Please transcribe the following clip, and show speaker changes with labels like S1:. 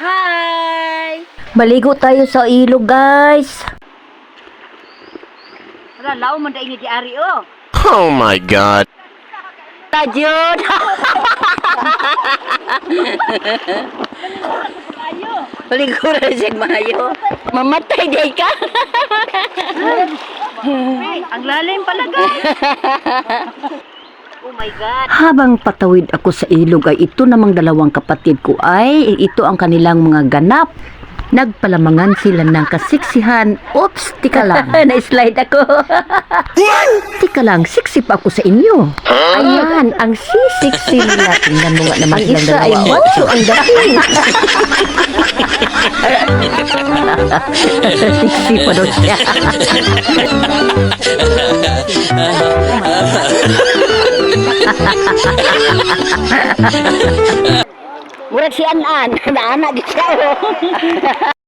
S1: Hi!
S2: Maligo tayo sa ilog, guys.
S1: Wala, lao man da ini di ari, oh.
S3: Oh my God.
S2: Tajud. Maligo na siya mayo. Mamatay day ka.
S1: Hey, ang lalim pala, guys. Oh my God.
S2: Habang patawid ako sa ilog ay ito namang dalawang kapatid ko ay ito ang kanilang mga ganap. Nagpalamangan sila ng kasiksihan. Oops, tika lang. Na-slide ako. Tika lang, siksip ako sa inyo. Ayan, ang sisiksi nila. Tingnan mo nga naman ang isa ay macho ang dating. Siksi pa doon siya. Murag si Anan, naanak siya.